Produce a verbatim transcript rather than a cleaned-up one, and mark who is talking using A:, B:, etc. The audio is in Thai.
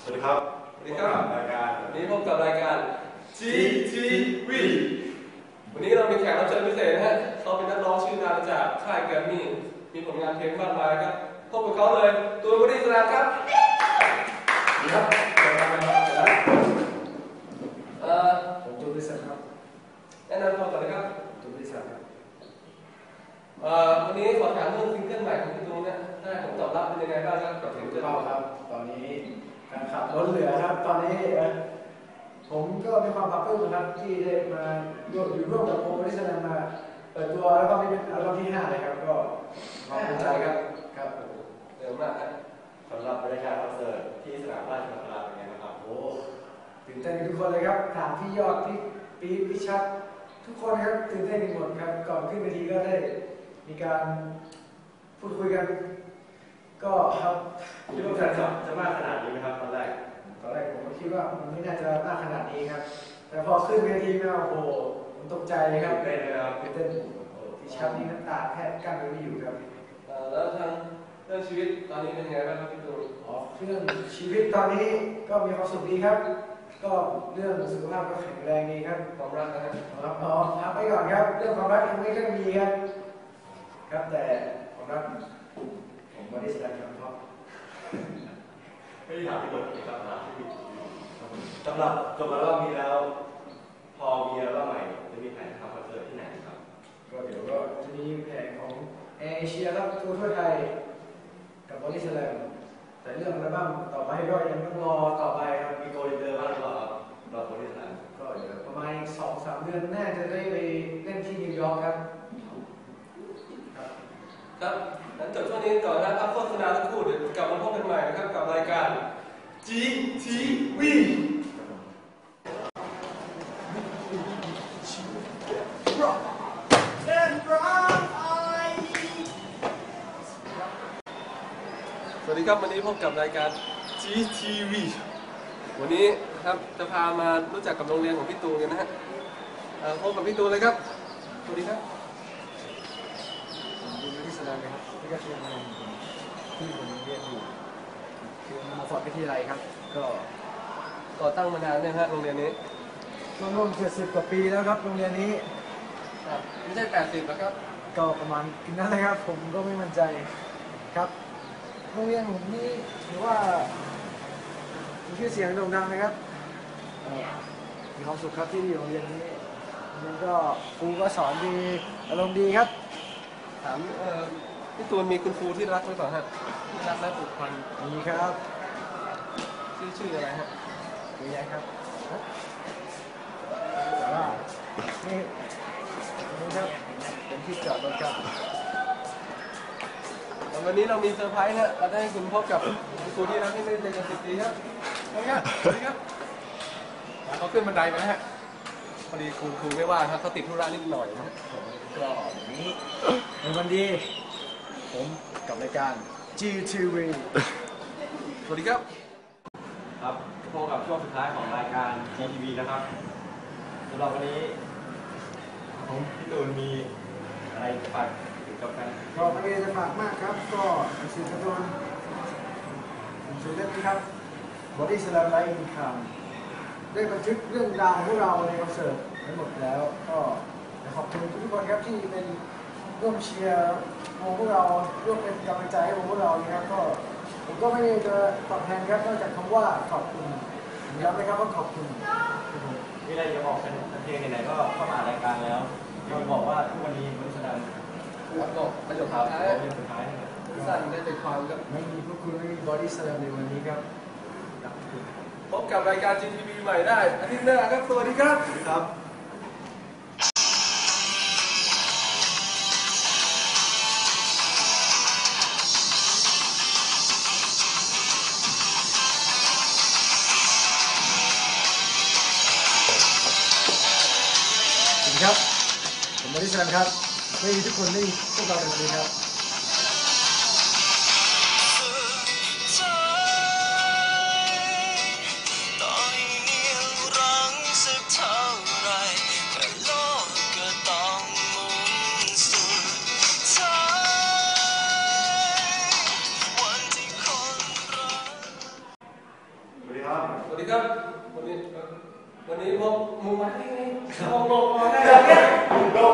A: สวัสดีครับ
B: สวัสดีครับ
A: รายการ
B: วันนี้พบกับรายการ จี ที วี วันนี้เรามีแขกรับเชิญพิเศษนะฮะเขาเป็นนักร้องชื่อดังจากค่ายแกรมมี่มีผลงานเพลงมากมายครับพบกับเขาเลยตูนบอดี้สแลมครับดีครับเชิญมาครับเอ่อ
C: ผมตูนบริษัทครับ
B: แนะนำตัวก่อนเลยครับ
C: ตูนบริษัทครับ
B: เอ่อวันนี้ขอถามเรื่องซิงเกิลใหม่ของพี่ตูนเนี่ยได้ผลตอบรับเป็นยังไงบ้างครับกับซิงเกิล
C: ครับตอนนี้การขับรถเหลือครับตอนนี้ผมก็มีความภาคภูมินะครับที่ได้มาอยู่ร่วมกับโปรโมชั่นมาเปิดตัวแล้วก็นี่เป็นอัลบั้มที่ห้าเลยครับก็ขอบคุณใจครับครับ
B: เร็วมากครับ
A: สำหรับบรรยากาศคอนเสิร์ตที่สนามราชมังคลาเป็นไงบ้างครับ
C: โอ้ตื่นเต้นทุกคนเลยครับถามพี่ยอดพี่ปี๊พี่ชัดทุกคนครับตื่นเต้นกันหมดครับก่อนขึ้นเวทีก็ได้มีการพูดคุยกันก็ครับ
A: คิดว่าจะจะมากขนาดนี้ไหมครับตอนแรก
C: ตอนแรกผมก็คิดว่ามันไม่น่าจะมากขนาดนี้ครับแต่พอขึ้นเวทีมาโอ้โหผมตกใจเลยครับ
A: ตื่นเต้นเลยครับ
C: ตื่นเต้นพี่ชัดนี่น้ำตาแทบกั้นไม่อยู่ครับ
B: แล้วทางเรื่องชีวิตตอนนี้เป็นยังไงบ้างครับพี่ตูน
C: อ๋อเรื่องชีวิตตอนนี้ก็มีความสุขดีครับก็เรื่องสุขภาพก็แข็งแรงดีครับ
B: ความรักนะครับ
C: ครับอ๋อพักไปก่อนครับเรื่องความรักยังไม่ค่อยมีครับครับแต่ความรักผมไม่ได้แสดงความชอบ
A: ไม่ได้ถามพี่ตูนครับถามพี่สำหรับจบอัลบั้มนี้แล้วพอมีอัลบั้มใหม่จะมีแผนทำคอนเสิร์ตที่ไหนครับ
C: ก็เดี๋ยวก็จะมีแผนของเอเชียครับทัวร์ทั่วไทยกับบอดี้สแลมแต่เรื่องอัลบั้มต่อไปก็ยังต้องรอต่อไปครับ
A: มีโกลเด้อร์บ้างหรือเปล่าครับรอบริษัท
C: ก็เดี๋ยวประมาณสองสามเดือนน่าจะได้ไปเล่นที่นิวยอร์กครับ
B: ครับงั้นจบช่วงนี้ก่อนนะครับโฆษณาสักครู่เดี๋ยวกลับมาพบกันใหม่นะครับกับรายการ จี ที วี สวัสดีครับวันนี้พบกับรายการ จี ที วี วันนี้ครับจะพามารู้จักกับโรงเรียนของพี่ตูนกันนะฮะพบกับพี่ตูนเลยครับสวัสดีครับ
C: ดูที่สนามนะครับที่ก็คือที่ผมเรียนอยู่คือมาฟอร์ดวิทยาลัยครับก็
B: ก่อตั้งมานานเนี่ยฮะโรงเรียนนี้
C: ร่วมๆเจ็ดสิบกว่าปีแล้วครับโรงเรียนนี้
B: ไม่ใช่แปดสิบแล้วครับ
C: ก็ประมาณนั้นเลยครับผมก็ไม่มั่นใจครับโรงเรียนผมนี่ถือว่ามีชื่อเสียงโด่งดังนะครับมีความสุขครับที่อยู่โรงเรียนนี้มันก็ครูก็สอนดีอารมณ์ดีครับ
B: ถามพี่ตูนมีคุณครูที่รักหรือเปล่าฮะที่รักและผูกพัน
C: มีครับ
B: ชื่อชื่ออะไรฮะ
C: เยอะแยะครับแต่ว่านี่นี่ครับเป็นที่จอดรถครับ
B: วันนี้เรามีเซอร์ไพรส์นะเราได้ให้คุณพบกับคุณครูที่รักที่ไม่ได้เจอกันสิบปีครับสวัสดีครับสวัสดีครับเขาขึ้นบันไดมาฮะพอดีครูครูไม่ว่าครับเขาติดธุระนิดหน่อยนะ
C: ก็อย่างนี้ในวันดีผมกับรายการ จี ที วี
B: สวัสดีครับ
A: ครับพบกับช่วงสุดท้ายของรายการ จี ที วี นะครับสำหรับวันนี้ผมพี่ตูนมีอะไรฝากถึงกับกัน
C: ก็ไม่ได้จะฝากมากครับก็หนังสือการ์ตูนหนังสือเล่มนี้ครับ Body Slam Live Income ได้บันทึกเรื่องราวของพวกเราในคอนเสิร์ตทั้งหมดแล้วก็ขอบคุณทุกคนครับที่เป็นร่วมเชียร์พวกเราร่วมเป็นกำลังใจให้พวกเรานะครับก็ผมก็ไม่ได้จะตอบแทนครับนอกจากคำว่าขอบคุณย้ำนะครับว่าขอบคุณ
A: มีอะไรจะบอกกันเพลงไหนๆก็เข้ามารายการแล้วเราบอกว่าทุกวันนี้มันแสดง
B: ครับบอกประโยคสุดท้าย
A: สุดท้าย
B: สั้นได้ใจความครับ
C: ไม่มีพวกคุณไม่มีบอดี้สแลมในวันนี้ครับ
B: พบกับรายการ จี ที วี ใหม่ได้อาทิตย์หน้าครับสวัสดีครับ
A: ครับ
C: ครับผมบอดี้สแลมครับไม่มีทุกคนไม่มีพวกเราในวันนี้ครับ
A: สวัสดี
C: ครับ
B: สวัสดีครับ วันนี้วันนี้พบมูมาได้ไงลงลงมาได้แล้วเนี่ยลง